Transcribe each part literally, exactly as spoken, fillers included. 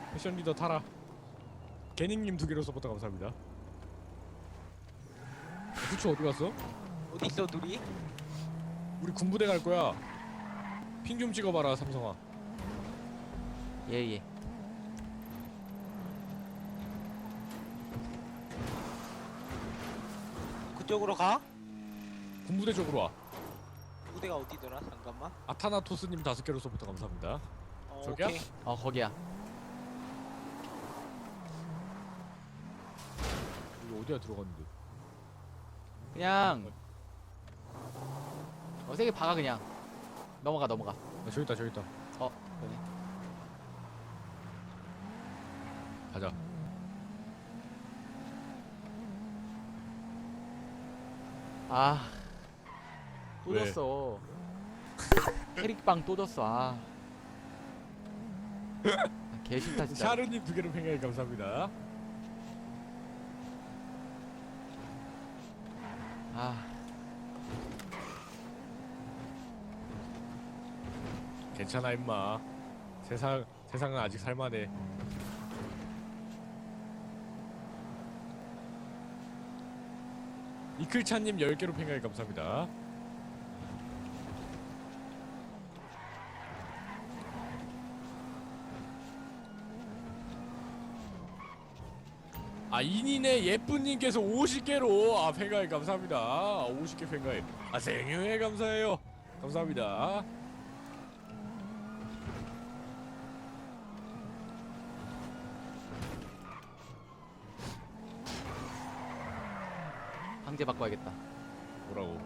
패션 리더 타라. 개닝님 두 개로 서포터 감사합니다. 후추 어디 갔어? 어디 있어 둘이? 우리 군부대 갈 거야. 핑 좀 찍어봐라 삼성아. 예예. 예. 그쪽으로 가? 군부대 쪽으로 와. 무대가 어디더라? 잠깐만. 아타나토스님 다섯 개로 서포터 감사합니다. 어, 저기야? 오케이. 어 거기야. 여기 어디야 들어갔는데? 그냥 어 세게 박아 그냥. 넘어가 넘어가. 아, 저기 있다 저기 있다. 어 그러네. 가자. 아. 또 왜? 졌어. 캐릭빵 또 졌어. 아. 개 싫다 진짜. 샤르님 두 개로 팽가이 감사합니다. 아. 괜찮아 임마. 세상 세상은 아직 살만해. 이클차님 열 개로 팽가이 감사합니다. 아 인인의 예쁜님께서 오십 개로 아 팽가이 감사합니다. 아, 오십 개 팽가이. 아 생유에 감사해요. 감사합니다. 방제 바꿔야겠다. 뭐라고?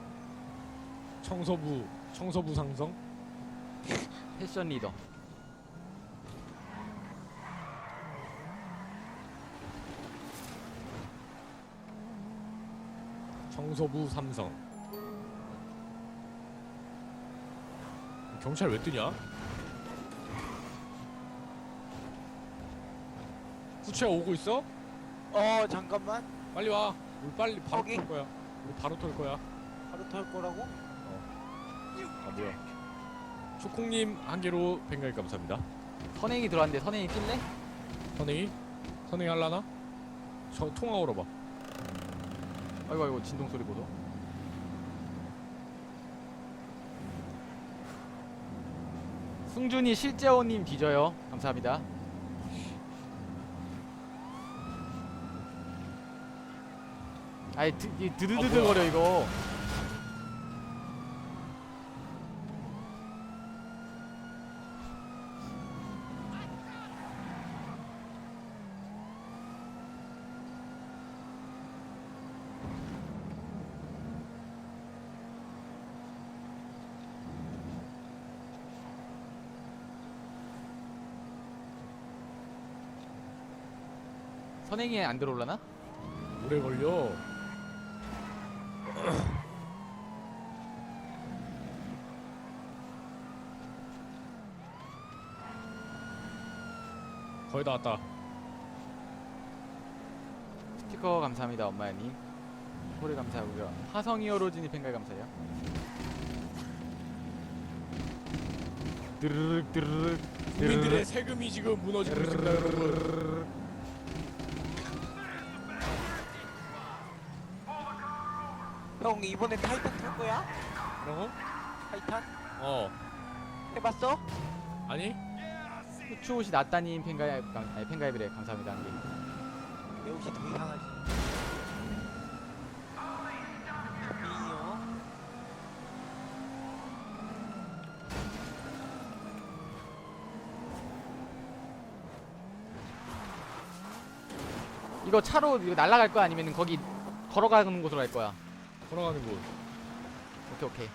청소부 청소부 상성? 패션 리더. 청소부 삼성. 경찰 왜 뜨냐? 후추야 오고 있어? 어 잠깐만. 빨리 와. 우리 빨리 바로 거기? 털 거야. 우리 바로 털 거야. 바로 털 거라고? 아 뭐야? 초콩님 한 개로 뱅가이 감사합니다. 선행이 들어왔는데 선행이 뛸래? 선행이? 선행이 할라나? 저 통화 걸어봐. 아이고 아이고 진동 소리 보소. 승준이 실제원님 뒤져요. 감사합니다. 아이 드, 이 드드드드 아, 거려 이거. 선행이 안 들어올라나? 오래 걸려. 거의 다 왔다. 스티커 감사합니다 엄마야님. 소리 감사하고요. 화성이 어로진이 팬가 감사해요. 드르륵 드르륵 국민들의 세금이 지금 무너지고 있습니다, 여러분. 형 이번에 타이탄 탈 거야? 뭐라고? 타이탄? 어. 해봤어? 아니? 후추 옷이 낫다님 팬가입 아니 팬가입이래 감사합니다. 한 개. 내 옷이 더 이상하지. 미니어. 이거 차로 이거 날아갈 거야 아니면 거기 걸어가는 곳으로 갈 거야? 걸어가는 곳. 오케이 오케이.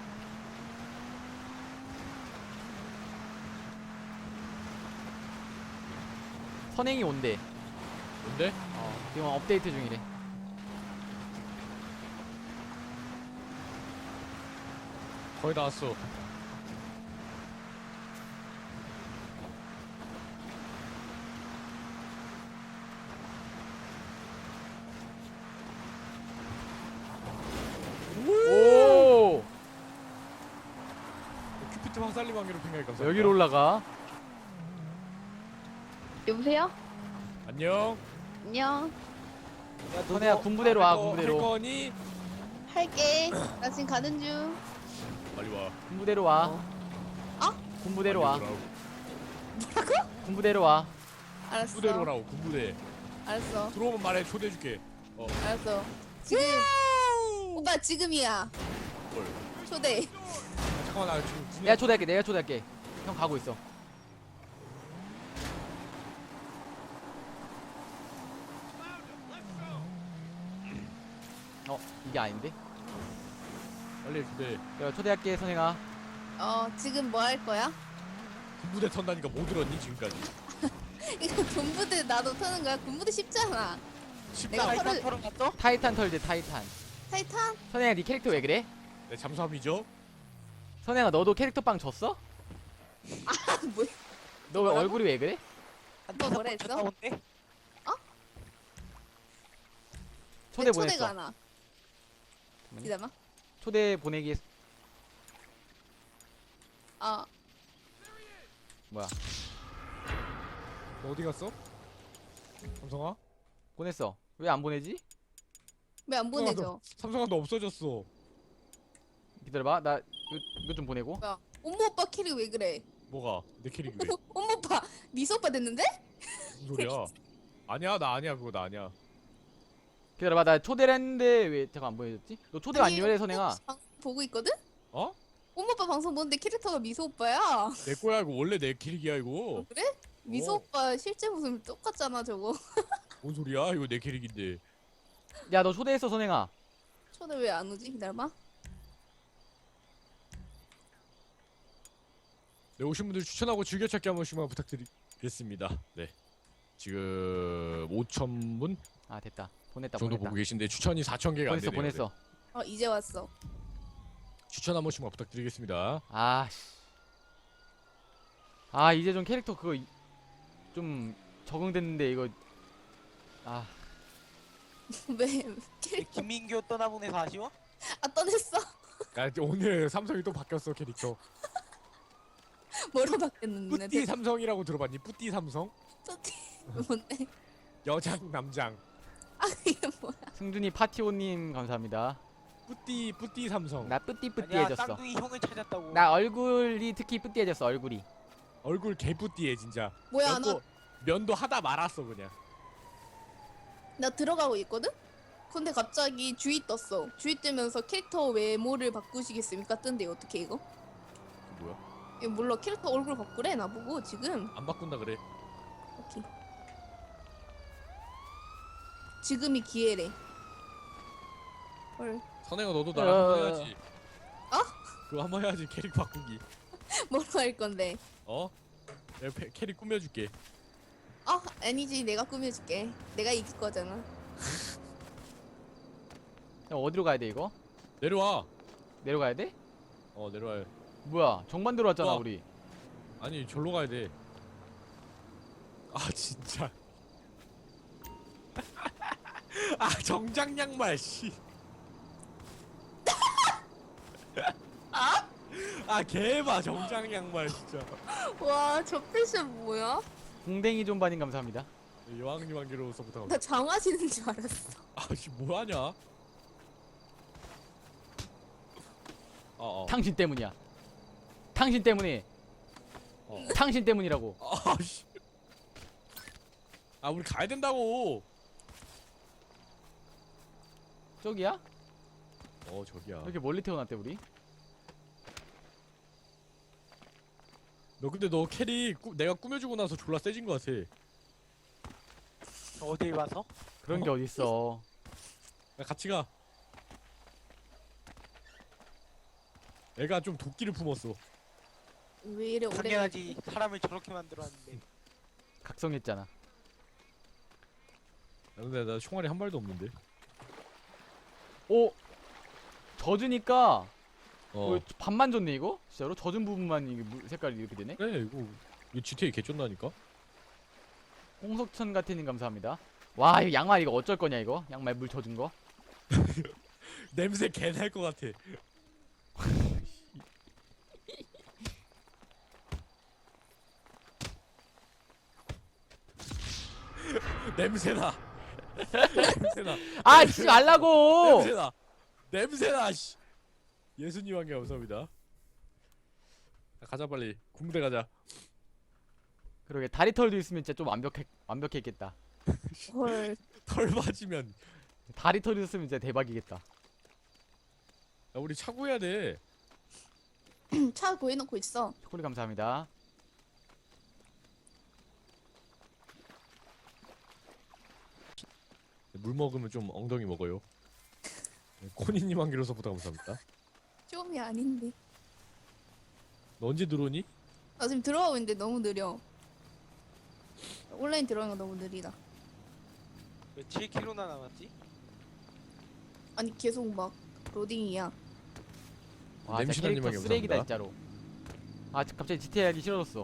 선행이 온대. 뭔데? 어, 지금 업데이트 중이래. 거의 다 왔어. 오! 큐피트 황살림 관계로 팽가이 감사합니다. 여기로 올라가. 여보세요? 안녕. 안녕. 야, 선혜야 너도 군부대로 와 어, 할 군부대로. 거니? 할게. 나 지금 가는 중. 빨리 와. 군부대로 와. 어? 군부대로 와. 빨리 오라고. 군부대로 와. 알았어. 군부대로 오라고. 군부대. 알았어. 들어오면 말해. 초대해줄게. 어. 알았어. 지금. 오빠 지금이야. 뭘? 초대. 아, 잠깐만 나 지금 군에. 내가 초대할게. 내가 초대할게. 형 가고 있어. 어 이게 아닌데? 빨리 초대. 내가 초대할게 선행아. 어 지금 뭐 할 거야? 군부대 턴다니까 못 들었니 지금까지? 이거 군부대 나도 타는 거야? 군부대 쉽잖아. 쉽다. 내가 타이탄 털을- 털은 갔어? 타이탄 털지 타이탄. 타이탄? 선행아 네 캐릭터 왜 그래? 네 잠수함이죠? 선행아 너도 캐릭터 빵 줬어? 아 뭐야? 너 왜 뭐라고? 얼굴이 왜 그래? 한 너 다섯 뭐라 번 했어? 갔다 온대? 초대 내 보냈어. 초대가 안 와. 기다려. 초대 보내기 했- 어 뭐야? 너 어디 갔어? 삼성아? 보냈어. 왜 안 보내지? 왜 안 보내줘? 삼성아 너 없어졌어. 기다려봐. 나 이거, 이거 좀 보내고. 뭐야? 엄마 오빠 캐릭 왜 그래? 뭐가? 내 캐릭이 왜? 엄마 오빠 미소 오빠 됐는데? 무슨 소리야? 아니야 나 아니야 그거 나 아니야. 기다려봐. 나 초대를 했는데 왜 잠깐 안 보내줬지? 너 초대 안 아니, 요래 선행아. 방송 보고 있거든? 어? 엄마 오빠 방송 보는데 캐릭터가 미소 오빠야. 내 거야 이거 원래 내 캐릭이야 이거. 그래? 미소 어. 오빠 실제 모습 똑같잖아 저거. 뭔 소리야? 이거 내 캐릭인데. 야 너 초대했어 선행아. 초대 왜 안 오지? 기다려봐. 네 오신 분들 추천하고 즐겨찾기 한 번씩만 부탁드리겠습니다. 네. 지금 오천 분 아 됐다. 보냈다 정도 보냈다. 보고 계신데 추천이 사천 개가 안 보냈어 되네요. 보냈어. 어 이제 왔어. 네. 추천 한 번씩만 부탁드리겠습니다. 아씨. 아 이제 좀 캐릭터 그거 이- 좀 적응됐는데 이거 아 왜 내 캐릭 김민규 떠나보내서 아쉬워? 아 떠냈어? 야, 오늘 삼성이 또 바뀌었어 캐릭터. 뭐로 바뀌었는데? 뿌띠 삼성이라고 들어봤니? 뿌띠 삼성? 뿌띠 뭔데? 여장 남장. 아 이게 뭐야? 승준이 파티오님 감사합니다. 뿌띠 뿌띠 삼성. 나 아니야 뿌띠뿌띠해졌어. 쌍둥이 형을 찾았다고. 나 얼굴이 특히 뿌띠해졌어 얼굴이. 얼굴 개뿌띠해 진짜. 뭐야 면도, 면도 하다 말았어 그냥. 나 나 들어가고 있거든? 근데 갑자기 주의 떴어. 주의 뜨면서 캐릭터 외모를 바꾸시겠습니까? 뜬데 어떻게 이거? 이게 뭐야? 이거 몰라 캐릭터 얼굴 바꾸래 나보고 지금. 안 바꾼다 그래. 오케이. 지금이 기회래. 헐. 선행아 너도 어. 나랑 한번 해야지. 어? 그거 한번 해야지 캐릭 바꾸기. 뭐로 할 건데? 어? 내가 패- 캐릭 꾸며줄게. 어 아니지 내가 꾸며줄게. 내가 이길 거잖아. 야, 어디로 가야 돼 이거? 내려와. 내려가야 돼? 어 내려와. 뭐야 정반대로 왔잖아 어. 우리. 아니 절로 가야 돼. 아 진짜. 아 정장 양말 씨. 아 개봐 정장 양말 진짜. 와 저 패션 뭐야? 공댕이 존반님 감사합니다. 여왕님 한개로서부터. 나 장화시는 줄 알았어. 아씨 뭐하냐? 어어. 당신 때문이야. 당신 때문에. 어. 당신 때문이라고. 아씨. 아 우리 가야 된다고. 저기야? 어 저기야. 왜 이렇게 멀리 태어났대 우리? 너 근데 너 캐릭 꾸, 내가 꾸며주고 나서 졸라 세진 것 같아. 어딜 봐서? 그런 게 어딨어. 야 같이 가. 애가 좀 도끼를 품었어. 왜 이래 오래? 당연하지. 사람을 저렇게 만들었는데. 각성했잖아. 야, 근데 나 총알이 한 발도 없는데. 오! 젖으니까 어. 어, 반만 졌네 이거? 진짜로? 젖은 부분만 이게 물 색깔이 이렇게 되네? 그래 이거 이거 지티에이 개쩐다니까. 홍석천 같은님 감사합니다. 와 이거 양말 이거 어쩔 거냐 이거? 양말 물 젖은 거? 냄새 개날 것 같아. 냄새나. 냄새나. 아 치지 말라고. 냄새나. 냄새나. 씨. 예수님 한개 감사합니다. 자, 가자 빨리. 군부대 가자. 그러게 다리털도 있으면 진짜 좀 완벽해 완벽했겠다. 헐. 털 맞으면. 다리털이 있으면 진짜 대박이겠다. 야, 우리 차 구해야 돼. 차 구해놓고 있어. 초콜릿 감사합니다. 물 먹으면 좀 엉덩이 먹어요. 코니님 한 개로 서부터 감사합니다. 좀이 아닌데. 너 언제 들어오니? 나 지금 들어가고 있는데 너무 느려. 온라인 들어가는 거 너무 느리다. 왜 칠 킬로미터나 남았지? 아니 계속 막 로딩이야. 와 진짜 냄새나님 캐릭터 하게 쓰레기다 감사합니다. 진짜로. 아 갑자기 지티에이 하기 싫어졌어.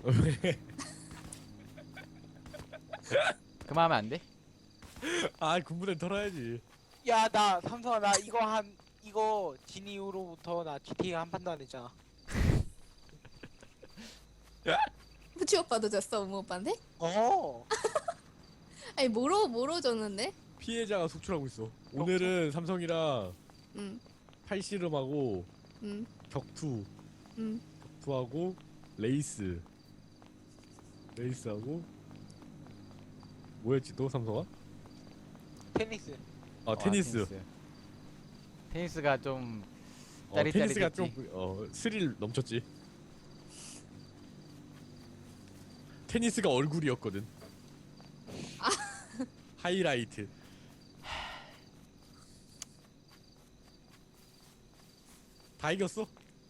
그만하면 안 돼? 아 군부대 털어야지. 야 나 삼성아 나 이거 한 이거 진 이후로부터 나 지티에이 한 판도 안 했잖아. 후치 오빠도 졌어, 우모 오빠인데? 어. 아니 뭐로 뭐로 졌는데? 피해자가 속출하고 있어. 오늘은 삼성이랑 응, 팔씨름하고 응, 격투, 응. 격투하고 레이스, 레이스하고 뭐였지 또 삼성아? 테니스. 아 와, 테니스. 테니스. 테니스가 좀 어, 짜릿짜릿했지. 테니스가 좀 어, 스릴 넘쳤지. 테니스가 얼굴이었거든. 하이라이트. 다 이겼어?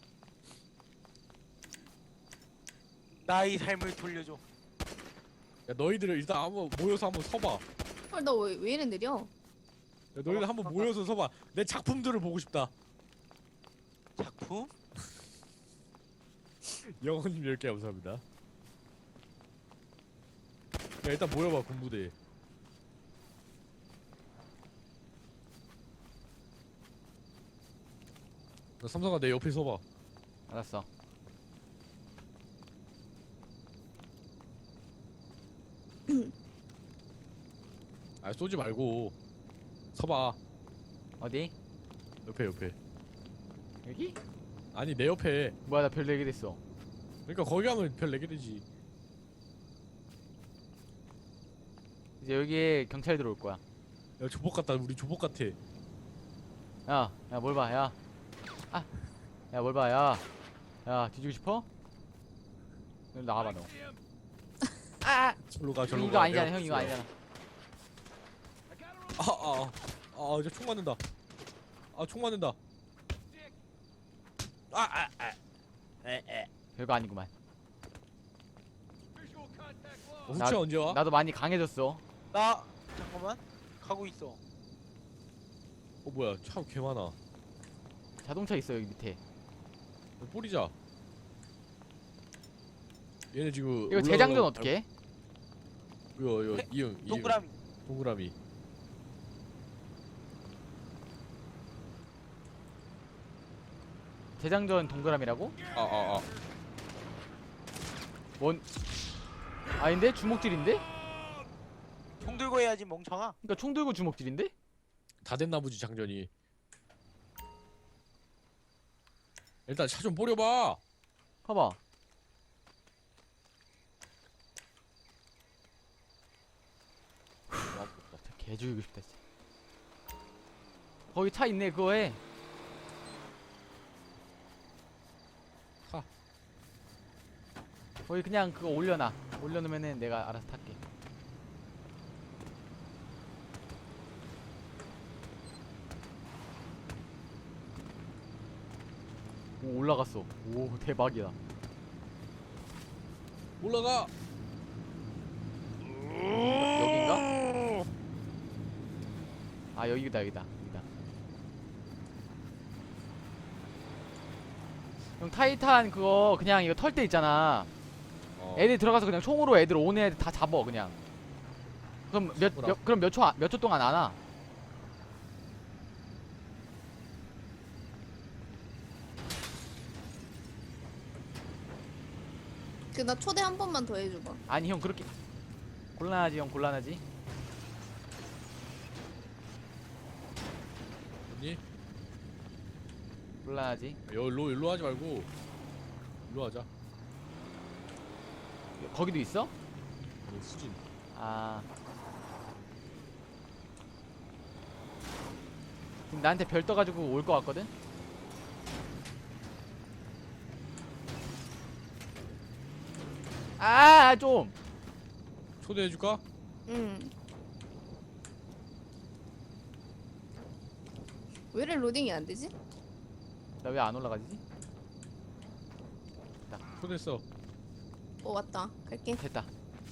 나의 삶을 돌려줘. 야 너희들 일단 한번 모여서 한번 서봐. 헐, 너 왜 왜 이래 느려? 야, 너희들 한번 모여서 서봐. 내 작품들을 보고 싶다. 작품? 영원님 열 개 감사합니다. 야 일단 모여봐 군부대. 나 삼성아 내 옆에 서봐. 알았어. 아 쏘지 말고 서봐. 어디? 옆에 옆에. 여기? 아니 내 옆에. 뭐야 나 별 네 개 됐어. 그러니까 거기 가면 별 네 개 되지. 이제 여기에 경찰 들어올 거야. 야 조폭 같다. 우리 조폭 같아. 야, 야 뭘 봐, 야. 아, 야 뭘 봐, 야. 야 뒤지고 싶어? 여기 나와봐 너. 아, 절로 가 절로 가. 이거 아니잖아, 내가 형 이거 없어. 아니잖아. 아아아 아, 이제 총 맞는다. 아 총 맞는다. 아아 아. 에에. 별거 아니구만. 어, 나- 후추야 언제 와? 나도 많이 강해졌어. 나 잠깐만 가고 있어. 어 뭐야 차 개 많아. 자동차 있어 여기 밑에. 어, 뿌리자. 얘네 지금 이거 재장전 올라가고- 어떻게 해? 이거 이거 해- 이응 이응 동그라미. 동그라미. 재장전 동그라미라고? 아아 아. 뭔? 아닌데? 주먹질인데? 총 들고 해야지 멍청아. 그러니까 총 들고 주먹질인데? 다 됐나 보지 장전이. 일단 차 좀 뿌려봐. 봐봐. 진짜 개 죽이고 싶다 진짜. 거기 차 있네 그거에. 타. 거기 그냥 그거 올려놔. 올려놓으면은 내가 알아서 탈게. 오 올라갔어. 오 대박이다. 올라가. 여긴가? 아 여기다 여기다 여기다. 형 타이탄 그거 그냥 이거 털 때 있잖아. 어. 애들 들어가서 그냥 총으로 애들 오는 애들 다 잡어 그냥. 그럼 몇, 뭐라? 몇 그럼 몇 초 몇 초 동안 안 와? 그 나 초대 한 번만 더 해줘봐. 아니 형 그렇게 곤란하지 형 곤란하지. 없니? 곤란하지. 여기로 일로 하지 말고 일로 하자. 거기도 있어? 아니, 수진. 아. 지금 나한테 별 떠가지고 올 것 같거든? 아, 좀! 초대해줄까? 응. 왜 이래 로딩이 안 되지? 나 왜 안 올라가지? 초대했어. 어 왔다. 갈게. 됐다.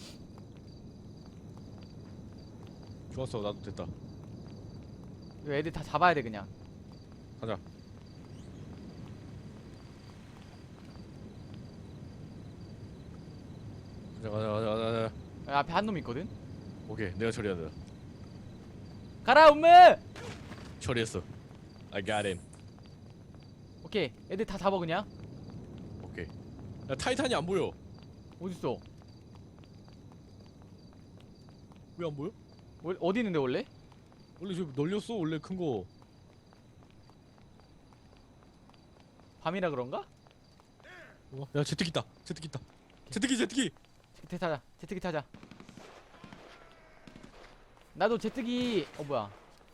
좋았어. 나도 됐다. 이거 애들 다 잡아야 돼, 그냥. 가자. 가자 가자 가자 가자. 야, 앞에 한 놈 있거든? 오케이, 내가 처리한다. 가라, 음메! 처리했어. I got him. 오케이, 애들 다 잡아, 그냥. 오케이. 야, 타이탄이 안 보여. 어딨어? 왜 안 보여? 월- 어디 있는데, 원래? 원래 저 널렸어. 원래 큰 거. 밤이라 그런가? 어? 야, 제트기 있다. 제트기 있다. 제트기 제트기. 제트기 타자. 제트기 타자. 나도 제트기, 어, 뭐야.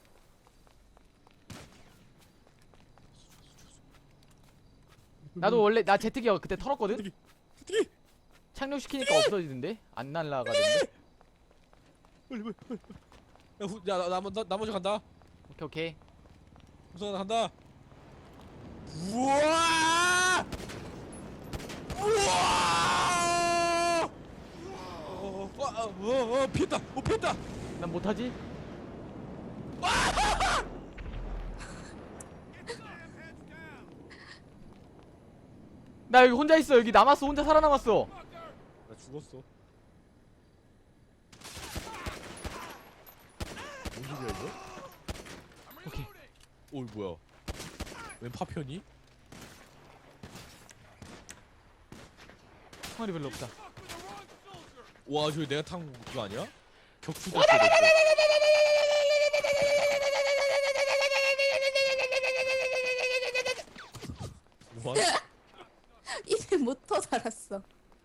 나도 원래, 나 제트기 그때 털었거든? 제트기. 제트기. 착륙시키니까 없어지던데? 안 날라가던데? 빨리 빨리 빨리. 야, 후, 야, 나, 나, 나, 나 먼저 간다. 오케이, 오케이. 우선 나 간다. 우와! 우와! 어, 어, 어, 어, 어, 피했다. 어, 피했다. 난 못하지? 나 여기 혼자 있어. 여기 남았어. 혼자 살아남았어. 나 죽었어. 뭔 소리야 이거? 오케이. 오, 이거 뭐야? 웬 파편이? 총알이 별로 없다. 와, 저기 내가 탄 그거 아니야? 격투 뭐? 입에 못터 달았어.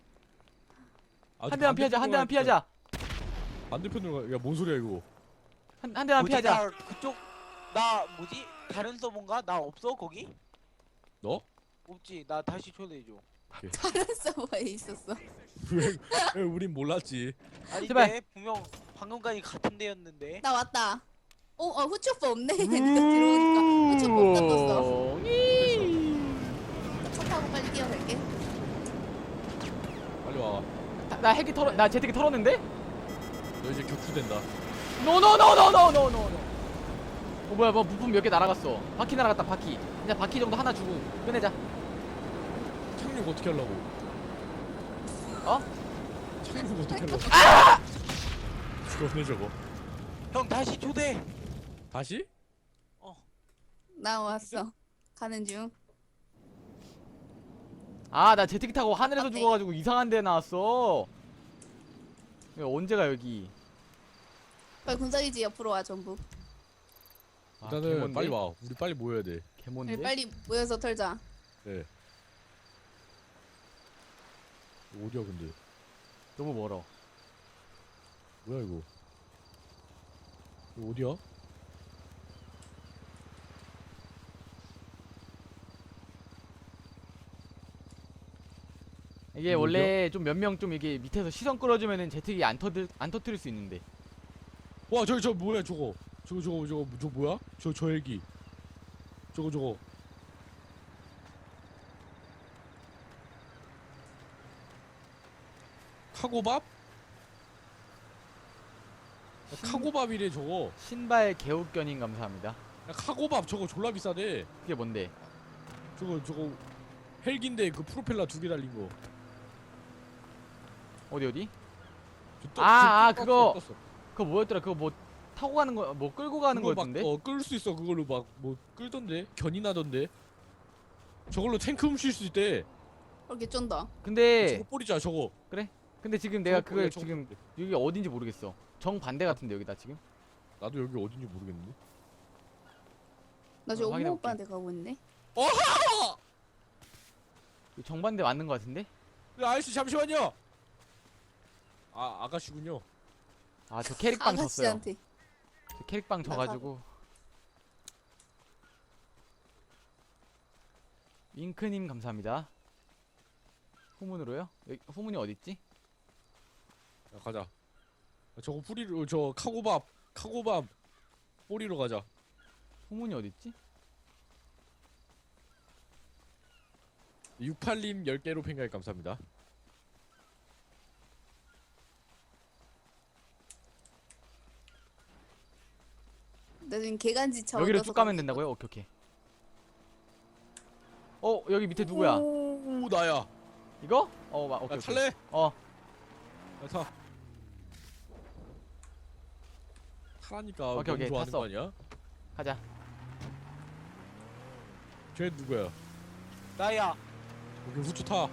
한 대만 피하자. 한 대만 피하자. 반대편으로 가. 야, 뭔 소리야 이거? 한, 한 대만 뭐지? 피하자. 나 그쪽 나 뭐지? 다른 서버인가? 나 없어 거기? 너? 없지. 나 다시 초대해줘. 다른 서버에 있었어. 왜, 왜 우린 몰랐지? 아닌데 제발. 분명 방금까지 같은 데였는데. 나 왔다. 어, 어 후추오빠 없네. 내가 들어오니까 후추오빠 없다 떴어. 오, 이. 차 타고 빨리 뛰어갈게. 빨리 와. 나, 나 헬기 털어. 나 제트기 털었는데? 너 이제 격투된다. 노노노노노노노노. 어 뭐야 뭐 부품 몇 개 날아갔어. 바퀴 날아갔다 바퀴. 그냥 바퀴 정도 하나 주고 끝내자. 착륙 어떻게 하려고? 어? 착륙 어떻게 하려고? 아! 죽었네 저거. 형 다시 초대. 다시? 나 왔어. 가는 중. 아 나 제트기 타고 하늘에서 어때? 죽어가지고 이상한 데 나왔어. 이거 언제가 여기? 빨리 군사기지 옆으로 와 전부. 아, 일단은 개몬데? 빨리 와. 우리 빨리 모여야 돼. 개몬데? 우리 빨리 모여서 털자. 네. 어디야 근데? 너무 멀어. 뭐야 이거? 이거 어디야? 이게 이거 원래 좀 몇 명 좀 이게 밑에서 시선 끌어주면은 제트기 안 터들 안 터뜨릴 수 있는데. 와 저기 저 뭐야 저거? 저거 저거 저거 저 뭐야? 저 저 헬기. 저거 저거. 카고밥? 야, 카고밥이래 저거. 신발 개웃견인 감사합니다. 야, 카고밥 저거 졸라 비싸대. 그게 뭔데? 저거 저거 헬기인데 그 프로펠러 두 개 달린 거. 어디 어디? 저 떠- 아, 아, 저 떴어, 그거. 떴어. 그거 뭐였더라? 그거 뭐 타고 가는 거, 뭐 끌고 가는 그거 거였던데? 막, 어, 끌 수 있어. 그걸로 막 뭐 끌던데. 견이 나던데. 저걸로 탱크 훔칠 수 있대. 그렇게 쫀다. 근데 저거 뿌리자 저거. 근데 지금 내가 저거 뿌려, 그걸 저거 지금 뿌려. 여기 어딘지 모르겠어. 정 반대 같은데 여기다 지금. 나도 여기 어딘지 모르겠는데. 나 지금 어, 옥모 확인해볼게. 오빠한테 가고 있네. 어하! 이거 정반대 맞는 거 같은데? 네, 아저씨 잠시만요. 아 아가씨군요. 아 저 캐릭빵 졌어요. 아가씨한테. 저 캐릭빵 져가지고. 윙크님 감사합니다. 후문으로요? 여기 후문이 어딨지? 야, 가자. 저거 뿌리로 저 카고밥 카고밥 뿌리로 가자. 후문이 어딨지? 육팔님 열 개로 팬가입 감사합니다. 나 지금 개간지 차 여기로 얻어서 쭉 가면 가고 된다고요? 오케이 오케이. 어 여기 밑에 누구야? 오 나야. 이거? 어 마, 야 오케이 오케이. 탈래? 어 야, 타. 타라니까. 오케이, 너무 오케이, 좋아하는 탔어. 거 아니야? 가자. 쟤 누구야? 나야. 오케이 후추 타.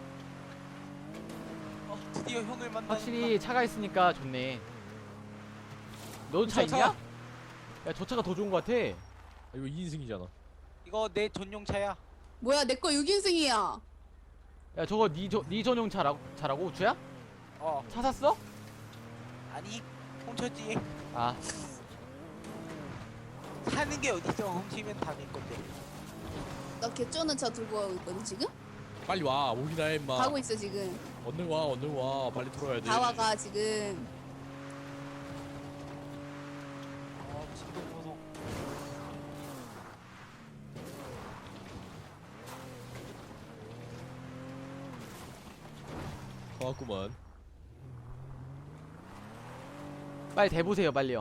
어, 드디어 형을 만나. 확실히 차가 있으니까 좋네. 너도 차 차, 있냐? 차. 야 저 차가 더 좋은 거 같아. 아, 이거 이 인승이잖아. 이거 내 전용차야. 뭐야 내 거 육 인승이야. 야 저거 니, 저, 니 전용 차라고? 차라고? 우추야? 어. 차 샀어? 아니 훔쳤지. 아 사는 게 어딨어. 훔치면 다 내 건데. 나 개쩌는 차 들고 가고 있거든 지금? 빨리 와. 오기나 해 임마. 가고 있어 지금. 얼른 와 얼른 와. 빨리 들어야 돼. 다 와가 지금. 어 진동 보소. 고맙구만. 빨리 대보세요 빨리요.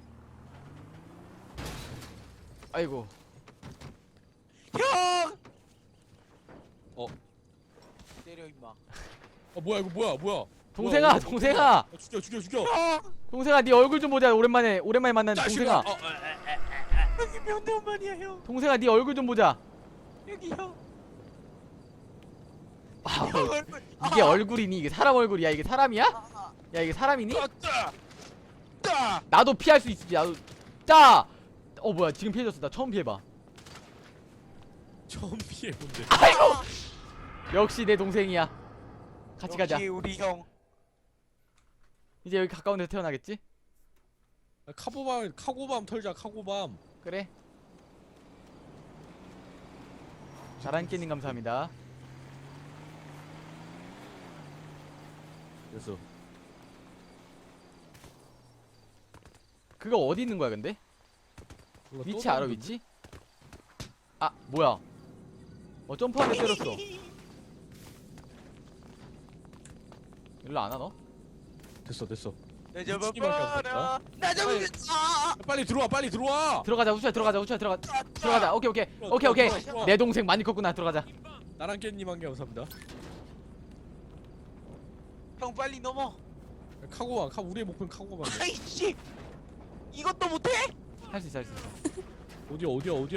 아이고 형! 어. 때려 임마. 어 뭐야 이거 뭐야 뭐야. 동생아 뭐야, 동생아 어, 죽여 죽여 죽여. 동생아 네 얼굴 좀 보자. 오랜만에 오랜만에 만난 자식아. 동생아. 어, 에, 에, 에. 여기 명대원만이야 형. 동생아 네 얼굴 좀 보자. 여기 형. 아, 형 얼굴. 이게 얼굴이니? 이게 사람 얼굴이야? 이게 사람이야? 아, 야 이게 사람이니? 따, 따, 따. 나도 피할 수 있지. 나도 짜. 어 뭐야 지금 피해졌어. 나 처음 피해봐. 처음 피해 본데. 아이고 역시 내 동생이야. 같이 가자. 역시 우리 형. 이제 여기 가까운 데서 태어나겠지? 카고밤 카고밤 털자 카고밤. 그래. 자란깨님 감사합니다. 됐어. 그거 어디 있는 거야 근데? 몰라, 위치 또 알아 다른 위치? 아 뭐야? 어 점프하게 때렸어. 일로 안 와 너? 건데? 됐어 됐어. 나 미치기만 잡아봐라. 나 잡아봐. 빨리 들어와 빨리 들어와. 들어가자 우수야 들어가자 우수야 들어가 들어가자. 오케이 오케이 오케이 오케이. 들어와. 내 동생 많이 컸구나. 들어가자. 나랑 깻님 한 개 감사합니다. 형 빨리 넘어. 카고밤 카 우리의 목표는 카고밤. 아이씨. 이것도 못해? 할 수 있어 할 수 있어. 어디야 어디야 어디야.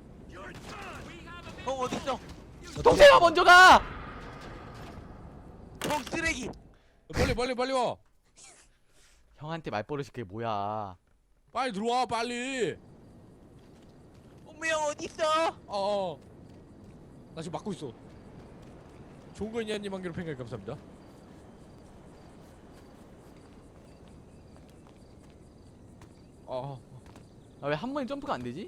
형 어딨어? 동생아 먼저 가. 형 쓰레기. 빨리 빨리 빨리 와. 형한테 말버릇이 그게 뭐야? 빨리 들어와 빨리. 엄마 형 어딨어? 어어. 나 지금 막고 있어. 좋은 거 있냐님 한 개로 팬가입 감사합니다. 아. 아 왜 한 번에 점프가 안 되지?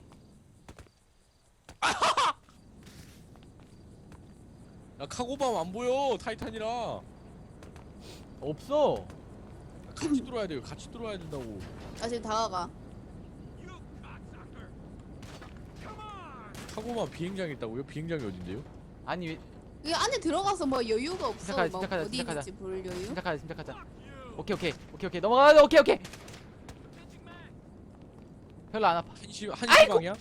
야 카고밤 안 보여 타이탄이랑. 없어. 같이 들어와야 돼요. 같이 들어와야 된다고. 나 지금 다가가. 카고밤 비행장에 있다고요? 비행장이 어딘데요? 아니 왜 이 안에 들어가서 뭐 여유가 없어. 시작하자, 막 시작하자, 어디 시작하자. 있는지 볼 여유. 심각하자 심각하자. 오케이 오케이 오케이 오케이 넘어가. 오케이 오케이. 별로 안 아파. 한시 한시 방향?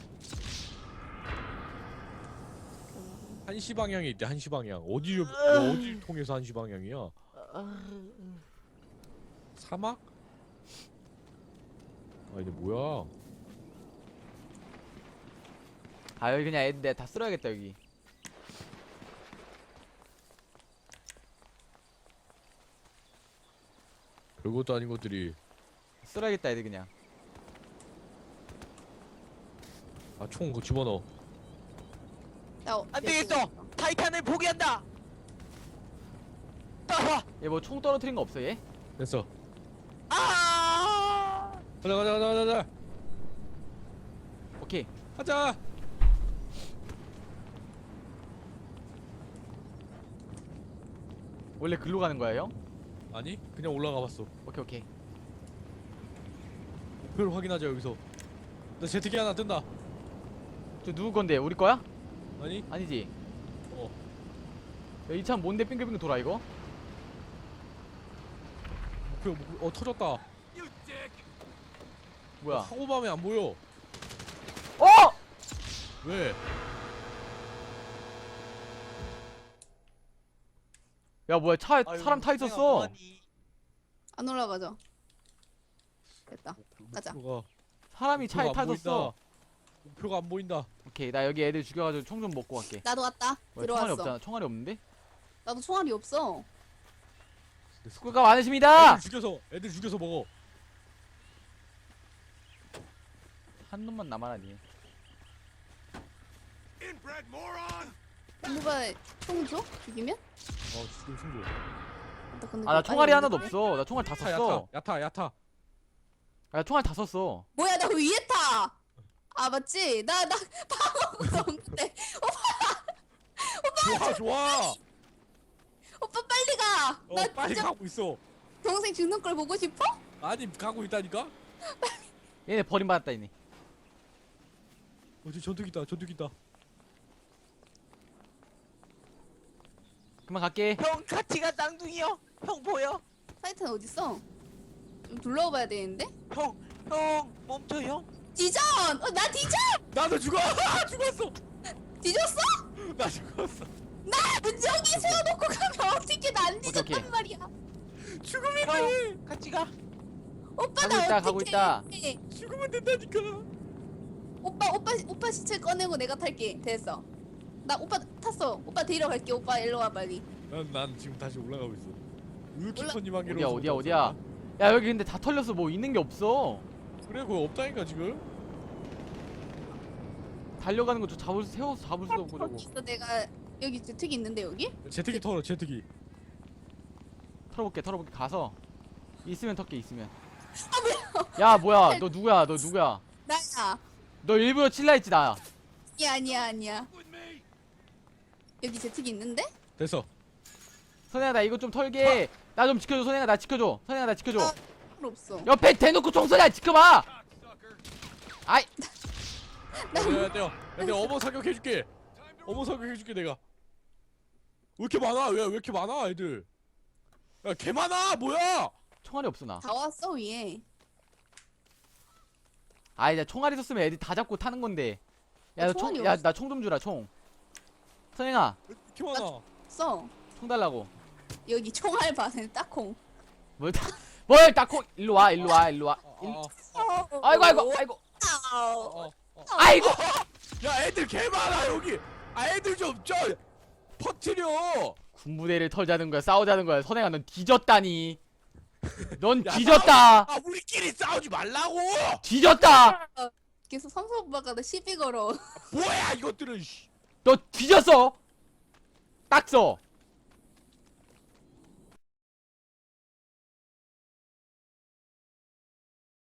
한시 방향에 있대. 한시 방향. 어디 어디 통해서 한시 방향이야? 사막? 아 이게 뭐야? 아 여기 그냥 애들 내가 다 쓸어야겠다 여기. 별것도 아닌 것들이. 쓸어야겠다 애들 그냥. 아 총 그거 집어넣어. 나 어- 안 되겠어. 타이탄을 포기한다. 따라와. 얘 뭐 총 떨어뜨린 거 없어 얘? 됐어. 아! 가자 가자 가자 가자 가자. 오케이. 가자. 원래 글로 가는 거야 형? 아니 그냥 올라가 봤어. 오케이 오케이. 목표를 확인하자 여기서. 나 제트기 하나 뜬다. 저 누구 건데? 우리 거야? 아니? 아니지. 어. 야, 이 차 뭔데 빙글빙글 돌아 이거? 목표 목표 어 터졌다. 뭐야? 사고밤에 안 보여. 어! 왜? 야 뭐야 차에 아유, 사람 타 선생아, 있었어. 뭐하니? 안 올라가죠. 됐다. 가자. 목표가 사람이 차에 목표가 타 안 있었어. 보인다. 목표가 안 보인다. 오케이 나 여기 애들 죽여가지고 총 좀 먹고 갈게. 나도 왔다. 뭐야, 총알이 들어왔어. 없잖아. 총알이 없는데? 나도 총알이 없어. 수고가 많으십니다. 애들 죽여서 애들 죽여서 먹어. 한 놈만 남아라니. 누가 총 줘? 죽이면? 어 죽여 승부. 나 근데 아 나 그거 총알이 빨리 하나도 없는데? 없어. 나 총알 다 야타 썼어. 야타 야타 야타. 야 총알 다 썼어. 뭐야 나 위에 타. 아 맞지? 나 나 방어구도 없는데. 좋아 좋아. 오빠 빨리 가. 어 나 빨리 진짜 가고 있어. 동생 죽는 걸 보고 싶어? 아니 가고 있다니까. 얘네 버림받았다 얘네. 어디 전투기 있다 전투기 있다. 그만 갈게. 형 같이 가 쌍둥이요. 형 보여? 타이탄 어딨어? 좀 둘러봐야 되는데? 형, 형 멈춰 형. 디전! 어, 나 디전! 나도 죽어. 죽었어. 뒤졌어? 나 죽었어. 나 저기 세워놓고 가면 어떻게 나 안 오케이, 뒤졌단 오케이. 말이야. 죽으면 돼. 형 같이 가. 오빠 가고 나 있다, 어떻게 가고 있다. 죽으면 된다니까. 오빠 오빠 오빠 시체 꺼내고 내가 탈게. 됐어. 나 오빠 탔어. 오빠 데리러 갈게. 오빠 일로 와 빨리. 난, 난 지금 다시 올라가고 있어. 울키퍼님 한 개로. 어디야 어디야 어디야. 야 여기 근데 다 털렸어. 뭐 있는 게 없어. 그래 그거 없다니까 지금. 달려가는 거 저 잡을 수 세워서 잡을 수도 없고 저거. 그래서 내가 여기 제특이 있는데 여기? 제트기 털어 제트기. 털어볼게 털어볼게 가서 있으면 털게 있으면. 아 뭐야? 야 뭐야 너 누구야 너 누구야. 나야. 너 일부러 칠라 했지 나. 아니야 아니야 아니야. 여기 제특이 있는데? 됐어. 선혜야 나 이거 좀 털게. 나 좀 지켜줘. 선혜야 나 지켜줘. 선혜야 나 지켜줘. 아. 필요 없어. 옆에 대놓고 총소리야 지켜봐. 아이 내가 내가 내가 어머 사격해줄게. 어머 사격해줄게 내가. 왜 이렇게 많아? 왜 왜 이렇게 많아 애들? 야 개 많아 뭐야? 총알이 없어 나. 다 왔어 위에. 아이 나 총알이 있었으면 애들 다 잡고 타는 건데. 나 야 총알이 총 야 없어. 나 총 좀 주라 총. 선행아 왜 이렇게 많아? 써. 총 달라고. 여기 총알 반에 딱콩. 뭘 다, 뭘 딱코 일로 와 일로 와 일로 와. 일, 아, 아이고 아이고 아이고 아, 아, 아. 아이고. 야 애들 개 많아 여기. 아 애들 좀 저 퍼트려. 군부대를 털자는 거야 싸우자는 거야. 선행아 넌 뒤졌다니. 넌 야, 뒤졌다. 아 우리끼리 싸우지 말라고. 뒤졌다. 계속 삼성 오빠가 나 시비 걸어. 뭐야 이것들은. 씨. 너 뒤졌어. 딱 써.